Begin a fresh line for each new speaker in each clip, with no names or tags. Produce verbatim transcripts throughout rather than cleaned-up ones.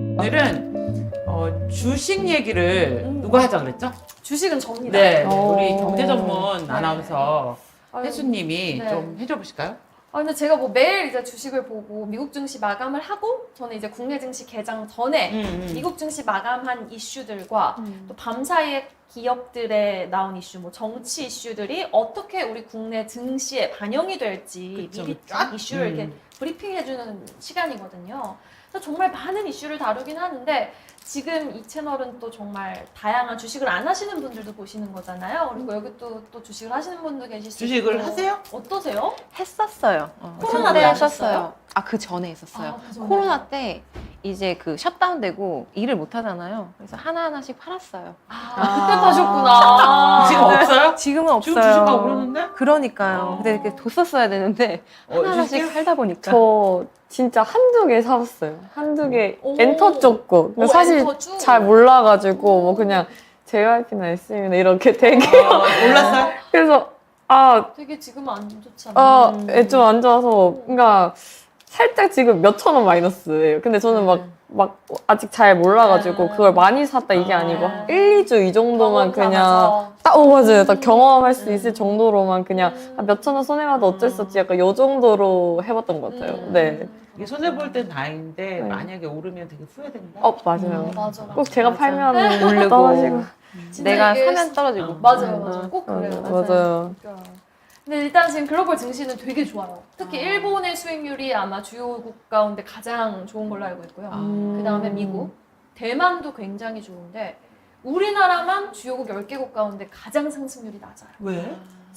오늘은 어, 주식 얘기를
음.
누가 하자 그랬죠?
주식은 접니다.
네,
오.
우리 경제 전문
네.
아나운서
아유,
혜수님이
네.
좀 해줘 보실까요?
아 근데 제가 뭐 매일 이제 주식을 보고 미국 증시 마감을 하고 저는 이제 국내 증시 개장 전에
음, 음.
미국 증시 마감한 이슈들과 또 밤사이에 기업들에 나온 이슈, 뭐 정치 이슈들이 어떻게 우리 국내 증시에 반영이 될지
그쵸,
미리
그쵸.
쫙 이슈를
음.
이렇게 브리핑해주는 시간이거든요. 그래서 정말 많은 이슈를 다루긴 하는데 지금 이 채널은 또 정말 다양한 주식을 안 하시는 분들도 보시는 거잖아요. 그리고 여기 또, 또 주식을 하시는 분도 계실 수
주식을
있고.
하세요?
어떠세요?
했었어요. 어,
코로나
그때
때
했었어요. 아, 그 전에 했었어요.
아, 그 전에.
코로나 때 이제 그 셧다운되고 일을 못 하잖아요. 그래서 하나하나씩 팔았어요.
아,
아.
그때 파셨구나.
지금 없어요?
지금은 없어요.
지금 주식하고 그러는데?
그러니까요.
어.
근데 이렇게 뒀었어야 되는데
어,
하나하나씩
주식?
팔다 보니까.
저 진짜 한두 개 사봤어요. 한두 개
오.
엔터 쪽 거. 근데
오,
사실
엔터 쭉.
잘 몰라가지고 뭐 그냥 제이와이피나 에스엠이나 이렇게 되게
어, 몰랐어요?
그래서 아,
되게 지금 안 좋잖아.
아,
음.
좀 안 좋아서 그러니까 살짝 지금 몇 천 원 마이너스예요. 근데 저는 막 막 아직 잘 몰라가지고
음.
그걸 많이 샀다 이게
아.
아니고 일, 이 주 이 정도만
경험
그냥
삼아서.
딱, 어, 맞아요. 딱 경험할 수
음.
있을 정도로만 그냥
음.
아, 몇천 원 손해봐도 어쩔 수 없지 약간 요 정도로 해봤던 것 같아요.
음.
네.
이게 손해볼 땐 다행인데
네.
만약에 오르면 되게 후회된다?
어, 맞아요.
음, 맞아, 맞아.
꼭 제가
맞아.
팔면
오르고.
떨어지고.
진짜
내가
이게
사면 떨어지고.
어.
맞아요,
음.
맞아요. 꼭 그래요.
맞아요. 맞아요.
웃겨요. 근데 일단 지금 글로벌 증시는 되게 좋아요. 특히
아.
일본의 수익률이 아마 주요국 가운데 가장 좋은 걸로 알고 있고요.
아.
그 다음에 미국, 대만도 굉장히 좋은데 우리나라만 주요국 열 개국 가운데 가장 상승률이 낮아요.
왜?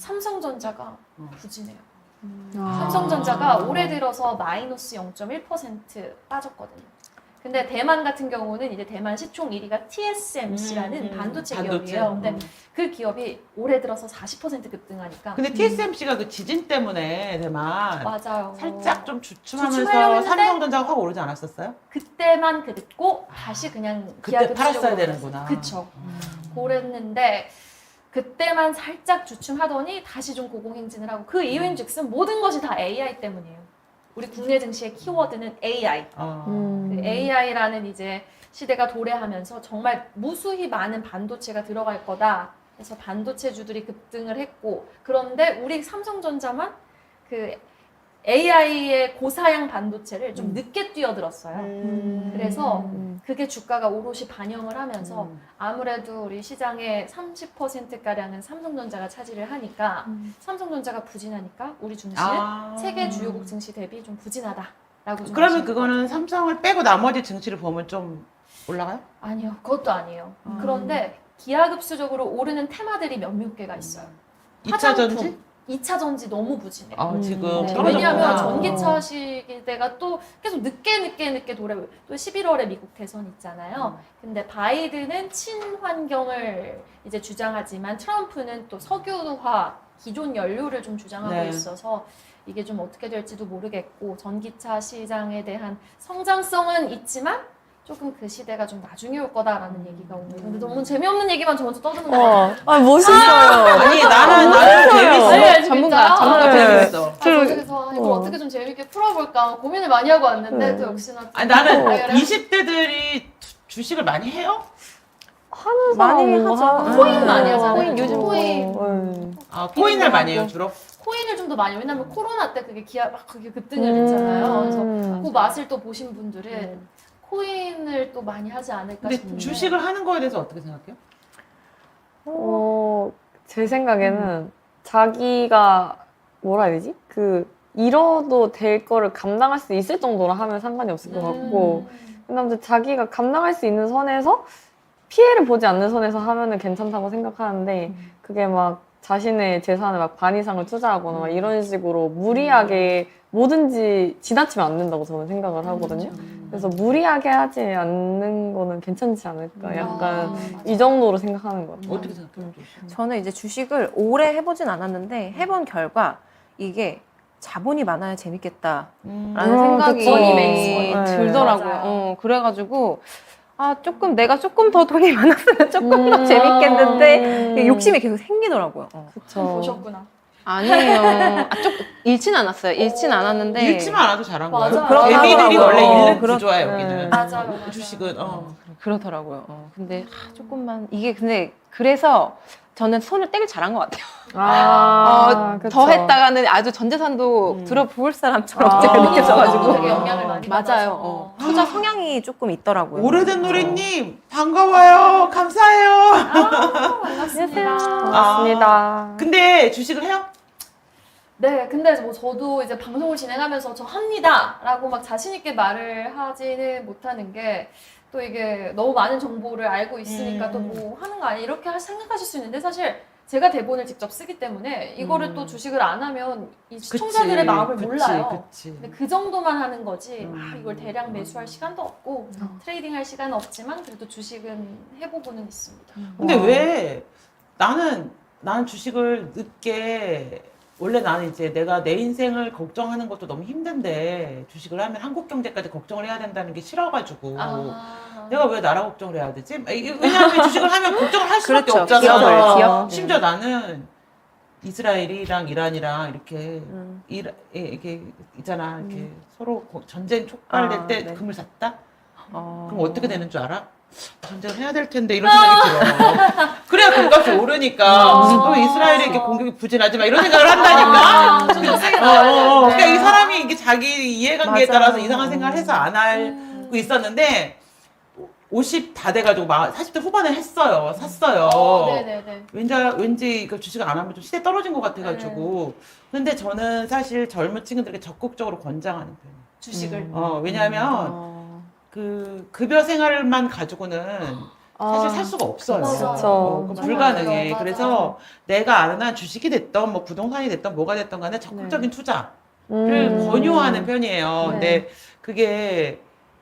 삼성전자가
어.
부진해요.
아.
삼성전자가 올해 들어서 마이너스 영 점 일 퍼센트 빠졌거든요. 근데 대만 같은 경우는 이제 대만 시총 일 위가 티에스엠씨라는
음, 음.
반도체,
반도체.
기업이에요. 근데
음.
그 기업이 올해 들어서 사십 퍼센트 급등하니까
근데 티에스엠씨가 그 지진 때문에 대만
맞아요.
살짝 좀
주춤하려고
주춤하면서
했는데
삼성전자가 확 오르지 않았었어요?
그때만 그랬고 다시 그냥
그때
기하급수적으로
팔았어야
올랐어요.
되는구나.
그쵸.
음.
그랬는데 그때만 살짝 주춤하더니 다시 좀 고공행진을 하고 그 이유인즉슨 모든 것이 다 에이아이 때문이에요. 우리 국내 증시의 키워드는 에이아이.
어.
음.
그 에이아이라는 이제 시대가 도래하면서 정말 무수히 많은 반도체가 들어갈 거다. 그래서 반도체주들이 급등을 했고 그런데 우리 삼성전자만 그 에이아이의 고사양 반도체를 좀
음.
늦게 뛰어들었어요.
음.
그래서
음.
그게 주가가 오롯이 반영을 하면서
음.
아무래도 우리 시장의 삼십 퍼센트가량은 삼성전자가 차지를 하니까
음.
삼성전자가 부진하니까 우리 증시는
아.
세계 주요국 증시 대비 좀 부진하다라고 좀
그러면
보시면
그거는
돼요.
삼성을 빼고 나머지 증시를 보면 좀 올라가요?
아니요, 그것도 아니에요.
음.
그런데 기하급수적으로 오르는 테마들이 몇몇 개가 있어요.
이 차 전지?
이 차 전지 너무 부진해요.
아,
음.
지금
네.
떨어졌구나.
왜냐하면
어.
전기차 시대가 또 계속 늦게 늦게 늦게 도래. 또 십일월에 미국 대선 있잖아요. 근데 바이든은 친환경을 이제 주장하지만 트럼프는 또 석유화 기존 연료를 좀 주장하고
네.
있어서 이게 좀 어떻게 될지도 모르겠고 전기차 시장에 대한 성장성은 있지만 조금 그 시대가 좀 나중에 올 거다라는 얘기가 오늘. 근데 너무 재미없는 얘기만 저 먼저 떠드는 거
어,
같아요.
아, 멋있어요.
아니 나는 나는 재밌어.
네,
전문가,
진짜요?
전문가
네.
재밌어.
아, 저 그래서 이걸
어.
어떻게 좀 재밌게 풀어볼까 고민을 많이 하고 왔는데
네.
또 역시나 또
아니 나는
다이어리
이십 대들이 주식을 많이 해요?
하는
많이
사람 뭐
하죠.
하는
코인
사람.
많이 하잖아요.
코인 요즘
코인.
네.
아 코인을 많이 해요 주로?
코인을 좀 더 많이 왜냐면 코로나 때 그게 기아 막 그게 급등을
음.
했잖아요. 그래서 그 맛을 또 보신 분들은 코인을 또 많이 하지 않을까
근데
싶은데
주식을 하는 거에 대해서 어떻게 생각해요?
어, 제 생각에는 자기가 뭐라 해야 되지? 그 잃어도 될 거를 감당할 수 있을 정도로 하면 상관이 없을 것 같고
음.
그다음에 자기가 감당할 수 있는 선에서 피해를 보지 않는 선에서 하면은 괜찮다고 생각하는데 그게 막 자신의 재산을 막 반 이상을 투자하거나 막 이런 식으로 무리하게 뭐든지 지나치면 안 된다고 저는 생각을 하거든요. 그래서 무리하게 하지 않는 거는 괜찮지 않을까 약간
아, 맞아.
이 정도로 생각하는 것 같아요.
어떻게 생각해요?
저는 이제 주식을 오래 해보진 않았는데 해본 결과 이게 자본이 많아야 재밌겠다라는
음.
생각이
그쵸.
머니 메이스 머니.
들더라고요.
맞아요.
어, 그래가지고 아 조금 내가 조금 더 돈이 많았으면 조금 더
음.
재밌겠는데
음.
욕심이 계속 생기더라고요. 어.
그쵸.
보셨구나.
아니에요. 아, 좀 잃진 않았어요. 잃진
어,
않았는데
잃지만 않아도 잘한 거야.
맞아요.
그렇다고
개미들이
하더라고요.
원래 잃는
그렇-
구조야
네.
여기는.
맞아요, 맞아요.
주식은 어.
그렇더라고요. 어, 근데 하, 조금만 이게 근데 그래서 저는 손을 떼길 잘한 것 같아요.
아,
어,
그쵸.
더 했다가는 아주 전 재산도
음.
들어부을 사람처럼
아.
제가
되게
느껴져가지고
영향을 많이 받아서.
맞아요. 어, 투자 성향이 조금 있더라고요.
오래된 노래님 반가워요. 감사해요.
아, 반갑습니다.
반갑습니다.
근데 주식을 해요?
네, 근데 뭐 저도 이제 방송을 진행하면서 저 합니다라고 막 자신 있게 말을 하지는 못하는 게 또 이게 너무 많은 정보를 알고 있으니까
음.
또 뭐 하는 거 아니야 이렇게 하- 생각하실 수 있는데 사실 제가 대본을 직접 쓰기 때문에 이거를
음.
또 주식을 안 하면 이
그치,
시청자들의 마음을
그치,
몰라요.
그치.
근데 그 정도만 하는 거지
음.
아, 이걸 대량 매수할 시간도 없고
음.
트레이딩할 시간은 없지만 그래도 주식은 해보고는 있습니다.
근데
와.
왜 나는 나는 주식을 늦게 원래 나는 이제 내가 내 인생을 걱정하는 것도 너무 힘든데 주식을 하면 한국 경제까지 걱정을 해야 된다는 게 싫어가지고
아,
내가 왜 나라 걱정을 해야 되지? 이게 왜냐하면 주식을 하면 걱정을 할 수밖에
그렇죠.
없잖아.
기업을, 기업.
심지어 나는 이스라엘이랑 이란이랑 이렇게
음.
이라, 예, 이게 있잖아. 이렇게 서로 고- 전쟁 촉발될
아,
때
네.
금을 샀다?
어.
그럼 어떻게 되는 줄 알아? 전쟁을 해야 될 텐데 이런 생각이 들어. 그래야 금값이 오르니까
어.
또 이스라엘이 이렇게 공격이 부진하지 마 이런 생각을 한다니까.
아, 좀더 세게
어,
나와야
어, 어.
되는데.
그러니까 이 사람이 이게 자기 이해관계에
맞아.
따라서 이상한 생각을 해서 안 하고
음.
있었는데 오십 다 돼가지고 막 사십 대 후반에 했어요. 샀어요.
어, 네네네.
왠지 왠지 이거 주식을 안 하면 좀 시대 떨어진 것 같아가지고. 근데 저는 사실 젊은 친구들에게 적극적으로 권장하는 편이에요.
주식을.
음.
어, 왜냐하면
어.
그 급여 생활만 가지고는 사실
아,
살 수가 없어요.
맞아.
그쵸.
어, 그건
맞아요.
불가능해.
맞아요.
그래서 내가 아는 한 주식이 됐던 뭐 부동산이 됐던 뭐가 됐던 간에 적극적인 투자를
음.
권유하는 편이에요.
네.
근데 그게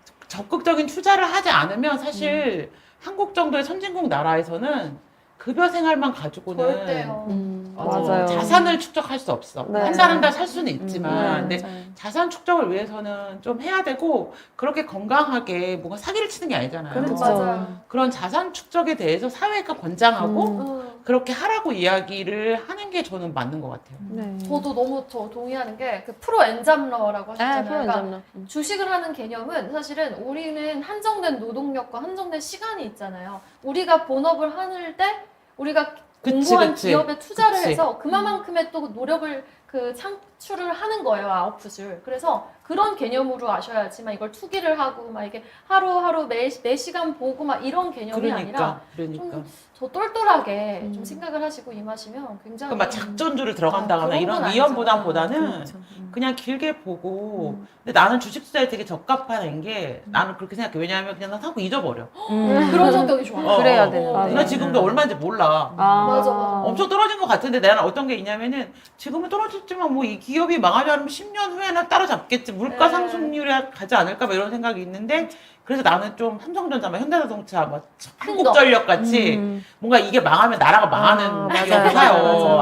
적극적인 투자를 하지 않으면 사실
음.
한국 정도의 선진국 나라에서는 급여 생활만 가지고는
절대요.
음.
어,
맞아요.
자산을 축적할 수 없어.
네.
한 달 한 달 살 수는 있지만,
음, 네.
근데 자산 축적을 위해서는 좀 해야 되고 그렇게 건강하게 뭔가 사기를 치는 게 아니잖아요.
그렇죠.
맞아요.
그런 자산 축적에 대해서 사회가 권장하고
음.
음.
그렇게 하라고 이야기를 하는 게 저는 맞는 것 같아요.
네.
저도 너무 저 동의하는 게 그 프로 엔잡러라고
아,
하셨잖아요.
프로
그러니까
엔잡러. 음.
주식을 하는 개념은 사실은 우리는 한정된 노동력과 한정된 시간이 있잖아요. 우리가 본업을 하는 때 우리가
그치,
공부한
그치.
기업에 투자를
그치.
해서 그만큼의 또 노력을 그 창출을 하는 거예요, 아웃풋을. 그래서 그런 개념으로 아셔야지만 이걸 투기를 하고 막 이게 하루하루 매, 매 시간 보고 막 이런 개념이 아니라
그러니까, 그러니까.
저 똘똘하게
음.
좀 생각을 하시고 임하시면 굉장히
그러니까 막 작전주를 들어간다거나
아, 그런
이런
건
위험보다보다는
그렇죠. 음.
그냥 길게 보고.
음.
근데 나는 주식 투자에 되게 적합한 게 나는 그렇게 생각해. 왜냐하면 그냥 난 사고 잊어버려.
음.
그런 성격이 좋아요.
어,
그래야
어.
되는
맞아요.
나 지금도 얼마인지 몰라.
아,
맞아, 맞아.
엄청 떨어진 것 같은데 나는 어떤 게 있냐면은 지금은 떨어졌지만 뭐 이 기업이 망하지 않으면 십 년 후에는 따라잡겠지. 물가
네.
상승률이 가지 않을까 뭐 이런 생각이 있는데 그래서 나는 좀 삼성전자, 뭐 현대자동차, 뭐
큰
한국전력 같이
음.
뭔가 이게 망하면 나라가 망하는
아, 맞아요.
기업을
맞아요,
사요.
맞아요.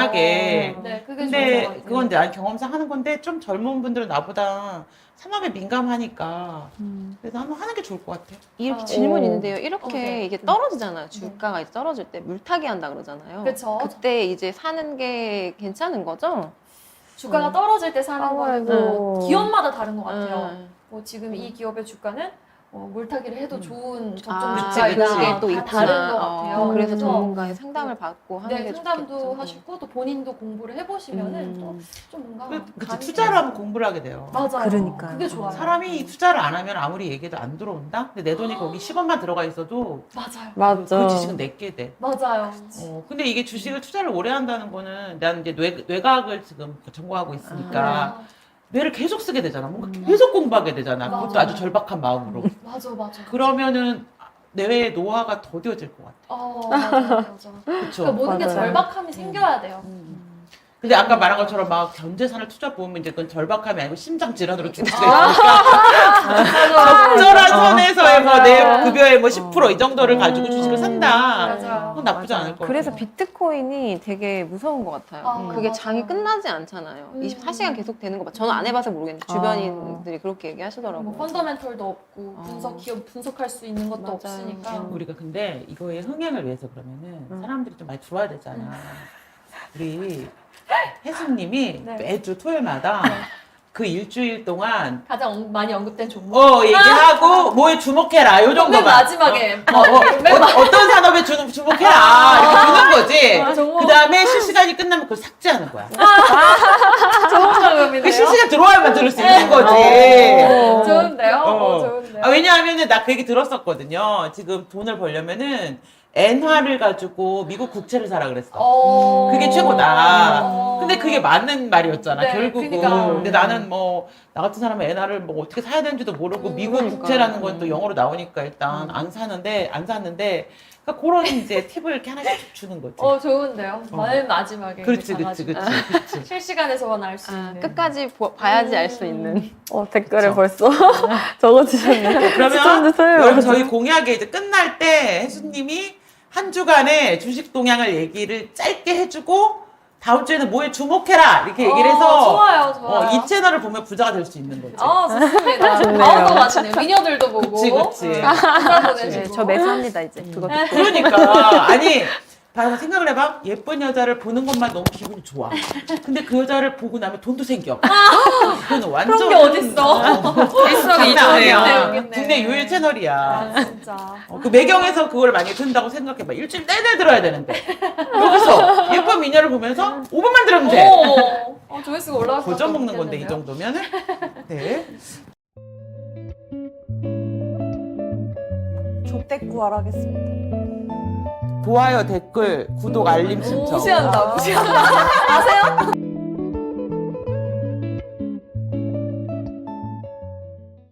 안전하게.
네, 그게
근데
좋은 것
그건 이제 난 경험상 하는 건데 좀 젊은 분들은 나보다 산업에 민감하니까
음.
그래서 한번 하는 게 좋을 것 같아요.
이렇게
아,
질문
오.
있는데요. 이렇게
어, 네.
이게 떨어지잖아요. 주가가 이제 떨어질 때 물타기 한다 그러잖아요.
그쵸.
그때 이제 사는 게 괜찮은 거죠?
주가가
음.
떨어질 때 사는 거는
아무래도
기업마다 다른 것 같아요.
음.
뭐 지금 이 기업의 주가는 어, 물타기를 해도
음.
좋은 적정
아,
주가이다.
그치, 그치.
다
또
다른
있구나.
것
어,
같아요.
그래서
그래서
전문가의 상담을 받고 하는
네,
게
상담도
좋겠죠.
하시고 또 본인도 공부를 해보시면은
음.
또 좀 뭔가
그, 그치,
감이
투자를 하면 공부를 하게 돼요.
맞아요.
그러니까요.
그게 좋아요.
사람이 투자를 안 하면 아무리 얘기해도 안 들어온다? 근데 내 돈이 거기 십 원만 들어가 있어도
맞아요.
맞죠.
그 지식은 내게 돼.
맞아요.
어, 근데 이게 주식을 투자를 오래 한다는 거는 나는 이제 뇌, 뇌과학을 지금 전공하고 있으니까
아,
뇌를 계속 쓰게 되잖아. 뭔가
음.
계속 공부하게 되잖아.
맞아.
그것도 아주 절박한 마음으로.
맞아, 맞아.
그러면은 뇌의 노화가 더뎌질 것 같아.
어, 맞아, 맞아.
그렇죠.
그러니까 모든 게
맞아요.
절박함이 생겨야 돼요.
근데 아까 말한 것처럼 막 전재산을 투자 보면 이제 그건 절박함이 아니고 심장 질환으로 죽을 수가
아.
있으니까 적절한 선에서의 뭐 내
맞아요.
급여의 뭐 십 퍼센트 이 정도를 가지고 주식을 산다.
맞아요.
그건 나쁘지 않을 것
그래서
같아요.
비트코인이 되게 무서운 것 같아요.
아,
그게
맞아요.
장이 끝나지 않잖아요.
음.
이십사 시간 계속 되는 거 봐. 저는 안 해봐서 모르겠는데
아.
주변인들이 그렇게 얘기하시더라고요.
뭐 펀더멘털도 없고
어.
분석 기업 분석할 수 있는 것도
맞아요.
없으니까
음.
우리가 근데 이거의 흥행을 위해서 그러면은
음.
사람들이 좀 많이 들어와야 되잖아. 우리 혜수님이
네.
매주 토요일마다 그 일주일 동안
가장 언- 많이 언급된 종목.
어 얘기하고 뭐에 주목해라 요
맨
정도만.
마지막에
어, 어, 어,
맨 마-
어, 어떤 산업에 주, 주목해라 이렇게 주는 거지.
아, 종목.
그 다음에 실시간이 끝나면 그걸 삭제하는 거야.
좋은 방법이네요.
그 실시간 들어와야만 들을 수 있는 거지.
어, 좋은데요? 어,
어.
좋은데요?
아, 왜냐하면은 나 그 얘기 들었었거든요. 지금 돈을 벌려면은 엔화를 가지고 미국 국채를 사라 그랬어.
어.
그게 최고다.
어.
근데 그게 맞는 말이었잖아,
네,
결국은.
그러니까.
근데 나는 뭐, 나 같은 사람은 엔화를 뭐 어떻게 사야 되는지도 모르고,
음,
미국
그러니까.
국채라는 건 또 영어로 나오니까 일단 안 사는데, 안 샀는데, 그러니까 그런 이제 팁을 이렇게 하나씩 주는 거지.
어, 좋은데요?
어.
맨 마지막에.
그렇지,
이렇게
그렇지,
가가지고.
그렇지, 그렇지.
실시간에서만 알 수
아,
있는.
끝까지 보- 봐야지 알 수 있는.
어, 댓글을
그쵸.
벌써 적어주셨네.
그러면
시청자 토요일
여러분
완전.
저희 공약에 이제 끝날 때 혜수님이 한 주간의 주식 동향을 얘기를 짧게 해주고 다음 주에는 뭐에 주목해라 이렇게 얘기를
어,
해서
좋아요, 좋아요.
어, 이 채널을 보면 부자가 될 수 있는 거지.
아, 좋습니다.
좋네요.
마음도 맞추네요. 미녀들도 보고.
그치, 그치.
문자
네,
보내주고.
저 매수합니다 이제. 그거 듣고.
그러니까 아니 봐서 생각을 해봐. 예쁜 여자를 보는 것만 너무 기분이 좋아. 근데 그 여자를 보고 나면 돈도 생겨. 그건 완전
그런 게 어딨어.
장난
여기 있네,
아니야.
여기 있네.
국내 유일 채널이야.
아, 진짜.
어, 그 매경에서 그걸 만약에 든다고 생각해봐. 일주일 내내 들어야 되는데. 여기서 예쁜 미녀를 보면서 오 분만 들으면 돼.
오, 어, 조회수가 올라갈 것
고전
같다고
먹는 건데 이
느꼈는데요?
정도면은. 네.
족대꾸알 하겠습니다.
좋아요, 댓글, 구독, 알림 신청.
무시한다, 무시한다. 아세요?